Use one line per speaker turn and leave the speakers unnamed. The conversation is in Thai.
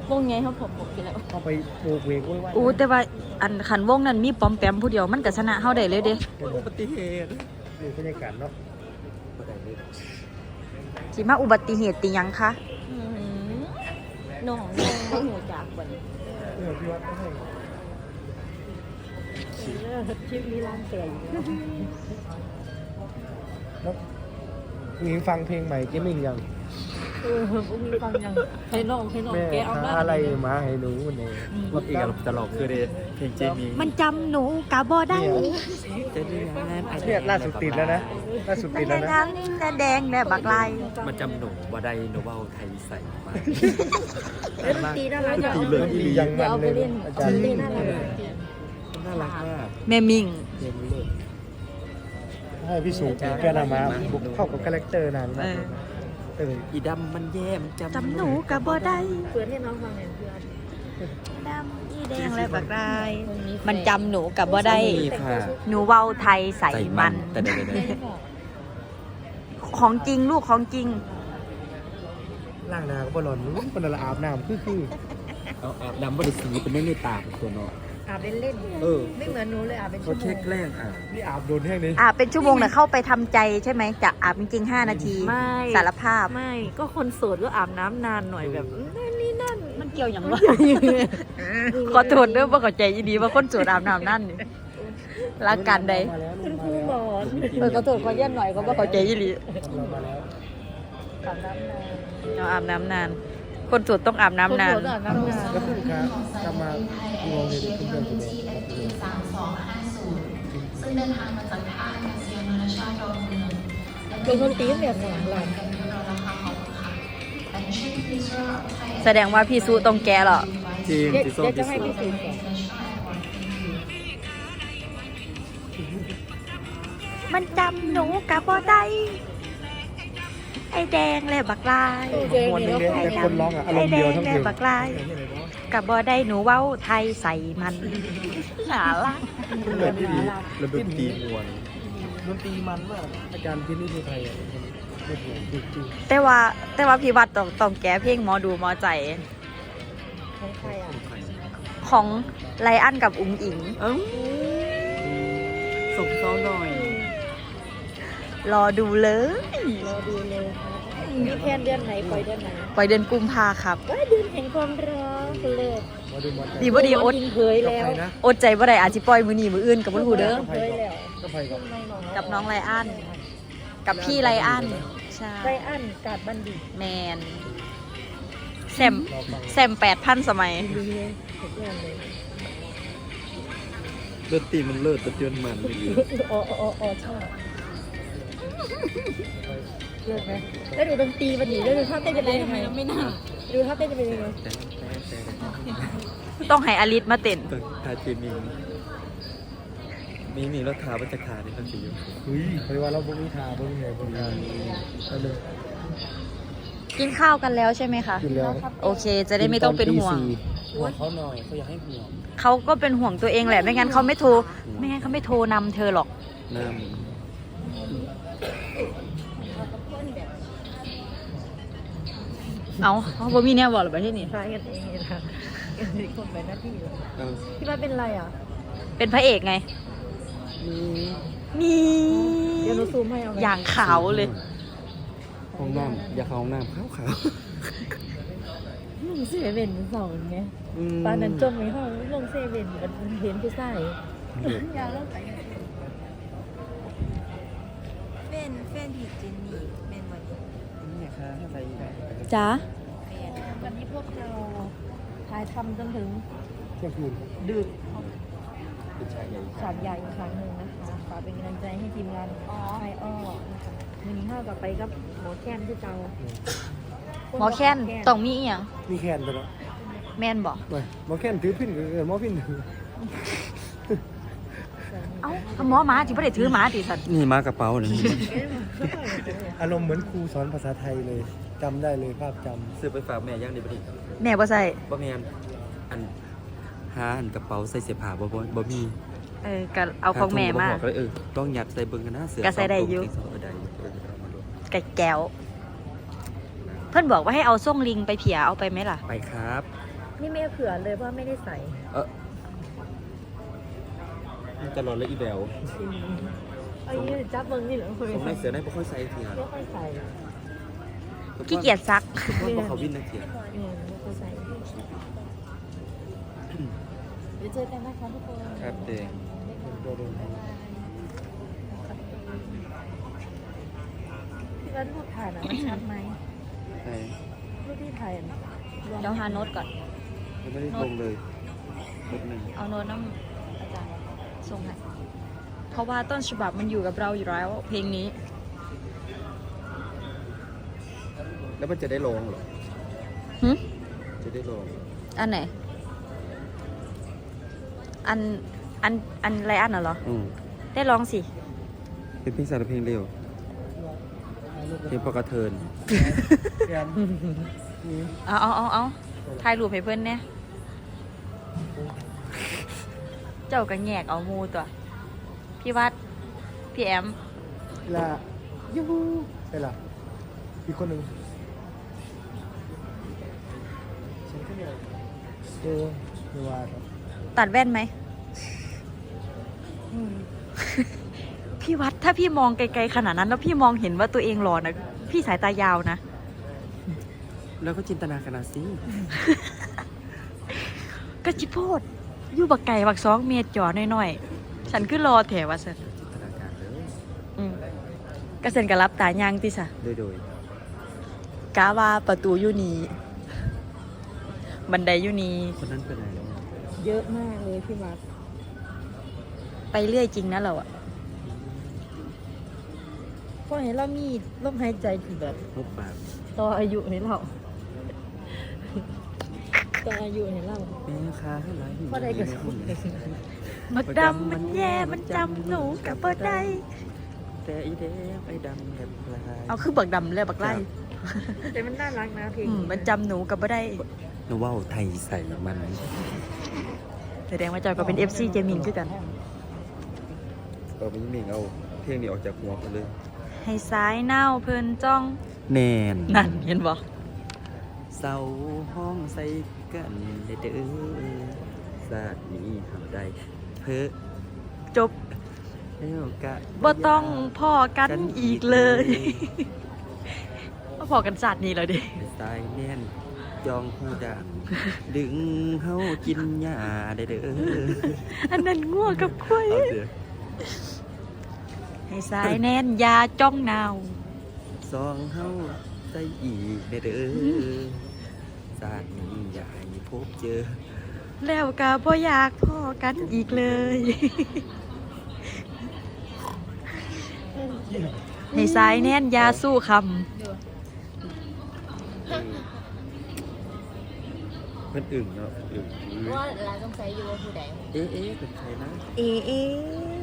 วงไงเขาผมกินแล้ว
เข้าไปโบกเวกไว้
อู้แต่ว่าอันขันวงนั้นมีปอมแปมผู้เดียวมันก็ชนะเฮาได้เลยเด้
อุบัติเหตุ
นี่บรรยากาศเนาะ
สิมาอุบัติเหตุติหยังคะ
น้องไม่หัวจากวัน
พี่วัดให้
คลิปนี้ร้านเตือน
แล้วมีฟังเพลงใหม่เจมิ่งยัง
พวกนี้ฟังยังให้น้อง
แม่
แกเอาหน้า
อะไรมาให้หนูวันนี้
รถอีกแล้วจะหลอกคือเดเพลงเจมี่
มันจำหนูกะบ่ได้
เจมี่งาน
เนี่ยล่าสุดติดแล้วนะล่าสุดติดแล้วนะ
ทั้งนี้แสดงและบักลาย
มันจำหนูว่าได้โนเบลไทยใส่มา
ตีน่ารัก
ตีเลย
ดียังมันเลยอาจารย์
ตีน่ารัก
น่ารักมาก
แม่มิง
เพลงนี้เลย
ให้พี่สูงแกนามาบุกเข้ากับคาแรคเตอร์นานมาก
อีดำมันแย่มัน
จำหนูกะบ่ได้
เปิดให้น้องฟังหน่อยเพื่อน
ดำอีแดงและบักลาย มันจำหนูกะบ่ได้
มีค่ะ
หนูเว้าไทยใส่มัน
แต่เดี๋ยว
ของจริงลูกของจริง
ล่างนาก็บอลนู้นเป็นอะไรอาบน้ำคือ
เอาอาบน้ำบริสีเป็นเรื่องในตาของตัวเนาะ
อาบเล่น ไม่เหมือนหนูเลยอาบเป็น
เขา
ชั่วโม
เช็ค
ง
แรกอ่ะ
นี่อาบโดนแห้งนี้
เป็นชั่วโมงนะเข้าไปทำใจใช่ไหมจะอาบจริงๆ5 นาที
ไม่
สารภาพ
ไม่ก็คนโสดก็อาบน้ำนานหน่อยแบบนี่นั่น
มันเกี่ยวอย่างวะ ขอโทษเด้อว่าเข้าใจอีดีว่าคนโสดอาบน้ำนั่นนี่รักกันใด
มาแล้ว
คุณครูหมอน
ขอโทษขอเย็นหน่อยก็ว่าเข้าใจอีหลี
เรามาแล้ว
อาบน้ำนาน
เราอาบน้ำนาน คนโสดต้องอาบน้ำนาน
คนโสดอาบน้ำนาน
แล้วคุณครับกลับมาดูโรงเรียนคุณเดินคุณเดิน
ซึ่งเดินทางมาจากท่าอากาศยานนานาชาติดอนเมือง
เป็นคนตีนแบบหลังหลัง
แสดงว่าพี่สู้ต้องแก้หรอ
จริง
เดี๋ยว
สีส้ม
จะ
สี
ให้
ส้ม
พี่สีก่อน
มันจำหนูกับบ่ได้ไอ้แดงและบักลาย
เจอ
มวน
นี่
นึง
แล้ว
เลยแต่คนร้องอ่ะอาร
ไอ้
มณ์
แด
เดียว
ง
ทั้งเพ
และ
ลง
บักลายกับบ่ได้หนูเว้าไทยใส่มันหนาละ
เหมือนที่ดีระดมตีมวน
ดนตรีมันมากอาจารย์ที่นี่ที่ไทยอ่ะจริง
แต่ว่าพี่วัดต้องแก้เพลงหมอดูหมอใจ
ของใครอ่ะ
ของไลอ้อนกับอุ๋งอิง
เอ้าส่งเขาหน่อย
รอดูเลย
รอดูเลยครับมีแคนเดือนไหนปล่อยเดือนไหน
ปล่อยเดือนกุมภาครับ
ว่าเดือนแห่งความรักเลย
ๆมาดูมัน
ดีบ่ดีอด
เผย
กับ
แล้ว
ใครนะ
อดใจบ่ได้อาจสิปล่อยมื้อนี้มื้ออื่นกับบ่รู้เด้อ
เผยแล้ว
ก็ไปกับ
กับน้องไลอ้อนกับพี่ไลอ้อนใช่
ไรอันกาดบัณฑิต
แมนแซม
รอฟัง
แซม8,000 สมัย
ดีเลยทุกอย่างเลย
เลือดตีมันเลิศตะเตือนมันเลย
อ๋อชอบเลิกไหมแล้วดูดนตรีวันนี้แล้วดูท่าเต้นจะเป็นยังไงไม่น่าดูท่าเต้นจะเป็นยังไง
ต้องให้อลิสมาเต้น
ตึกทาจีมีรถขาบัจขาที่เขาสีอยู่
เฮ้ยเพราะว่าเราบุ้งทาบุ้งไงบุ้งทาเราเลย
กินข้าวกันแล้วใช่ไหมคะ
กินแล้ว
โอเค จะได้ไม่ต้องเป็นห่วง
ห่วงเขาหน่อยเขาอยากให้ห่วง
เขาก็เป็นห่วงตัวเองแหละ ไม่งั้นเขาไม่โทรนำเธอหรอก
น้
เอาเขาบ่มีแนวบอกหรือเปล่าที่นี่
ใช่กันเองนะคนเป็นหน้าที่
ำเอา
พี่ว่าเป็นไรอ่ะ
เป็นพระเอกไง มี
เดี๋ยวหนูซูมให้เอา
อย่างขาวเลย
ห้องน้ำอย่าเข้าห้องน้ำขาว
ลงเซเว่นสองไง
ๆ
ปานนั้นจมในห้องลงเซเว่นกันเห็นผู้ชายอย่าลงไป
เป็นผีจินนี่เป็นวันนี้
นี่ค่ะอะไรอีกอ่ะ
จ้า
วันนี้พวกเราถ่ายทำจนถึง
เที่ยงคืน
ดึก
เป็นชายใหญ่
ฉากใหญ่อีกครั้งหนึ่งนะคะฝากเป็นกำลังใจให้ทีมงานไออ้อนะคะวันนี้เข้ากับไปกับหมอแค้นที่เจ้า
หมอแค้นต้องมีอีหยัง
มีแคนตัวเนาะ
แม่นบอก
ไปหมอแคนถือพินหมอพิน
เอ้าหมอหมาที่ไม่ได้ถือหมาติสัตว์
นี่มากระเป๋าเลย
อารมณ์เหมือนครูสอนภาษาไทยเลยจำได้เลยภาพจ
ซื้อไปฝากแม่ย่างดีบ่ดี
แม่บ่ใส่
บ่แม่นอันหาอันกระเป๋าใส่เสื้อผ้าบ่มี
ก็เอาของแม่มา
หถุงก็บอกเลยต้องยัดใส่เบิ่งกันนะเสื้อ
ก็ใส่ได้อยู่
สงตัวได้อยู่เอามาดู
ไก่แก้ว เพื่อนบอกว่าให้เอาส่งลิงไปเผียเอาไปไหมล่ะ
ไปครับ
นี่ไม่เผื่อเลยเพราะไม่ได้ใส่
ตลอดเลยอีแบว
เอาอย่างนี้จับเบิ้งนี่เหรอคุย
ผมในเสือได้ไม่ค่อยใส่ทีนะ
ไม่ค่อยใส่
ขี้เกียจซัก
เพราะเขาวินนะเทีย
เนี่ยไม่ค่อยใส่เดี๋ยวเจอกันนะคะทุกคน
ครับเด็ก
ตัวเดินทาง
พี่ว่ารูปถ่ายน่ะมันชัดไหม
ใช่
รูปที่ถ่ายน่ะ
เดี๋ยวหาโน้ตก่อน
ยังไม่ได้ลงเลยลบหนึ่ง
เอาโน้ตน้ำอาจารย์ส่งให้เพราะว่าต้นฉบับมันอยู่กับเราอยู่แล้ว เพลงนี้
แล้วมันจะได้ลงเหรอ
หึ
จะได้ลง
อันไหน อันไรอันน่ะเหรอ ได้ร้องสิ
เป็นเพลงสารเพลงเร็วเพลงพอกระเทิน
แกนนี่
เอาถ่ายรูปให้เพื่อนเนี่ยเจ้าก็แงกเอามูตัว พี่วัด พี่แอม
ละยูฮูใช่ละอีกคนหนึ่งฉันก็เนี่ยไม่ว่าครับ
ตัดแว่นไหม พี่วัดถ้าพี่มองไกลๆขนาดนั้น แล้วพี่มองเห็นว่าตัวเองหล่อนะพี่สายตายาวนะ
แล้วก็จินตนาการเอาสิ
ก็จิโพดอยู่บักไก่บัก2 เมตรจ่อน้อยๆ ฉันคือรอแถวว่าสัน
จินตนาการเลย
กระเซ็นกับรับตายางติสะ
โดย
กาว่าประตูอยู่นี่บันไดอยู่นี่
คนนั้นเป็นอะไรแล้ว
เยอะมากเลยพี่วัด
ไปเรื่อยจริงนะเราอะ
เพราะเห็นเรามีลมหายใจที่แบบ
มุกปาก
ต่ออายุให้เราต่ออายุให้เรา
แม่ค้าหลาย
เพราะใดก็สม
บักดำมันแย่มันจำหนูกับบ่ได้
แต่อีแดงไอ้ดำแบบลาย
เอาคือบักดำเลยบักไล่
แต่มันน่ารักนะเพลง
มันจำหนูกับบ่ได้
นึกว่าไทยใส่มัน
แสดงว่าเจ้าก็เป็น FC เจมินคือกัน
ไม่มีเอาเพลงนี้ออกจากหัวกันเลย
ให้สายเน่าเพิ่นจ้อง
แนน
นั่นเห็นบ่
เสาห้องใส่กันเด้อศาสตร์นี้ทำได้เพ้อ
จบ
แล้วกะ
บ่ต้องพ่อกันอีกเลยมาพอกันสัตว์นี้แล้วดิ
สายแน่นจองหูดังดึงเฮากินหญ้าได้เด้อ
อันนั้นง่วกับคุย
เอาเสีย
ให้สายแน่นยาจ้องนาว
ซองเฮาใส่อีกได้เด้อศาสตร์นี้อย่าให้พบเจอ
แล้วก็บ่อยากพ่อกันอีกเลย ให้สายแน่นยาสู้ค
เพิ่นอึ่งเนาะอึ่ง
ว่าร้านต้องใช้อยู่ว่าผู้ใด
เอ๊ะเป็นใครนะ
ำเอ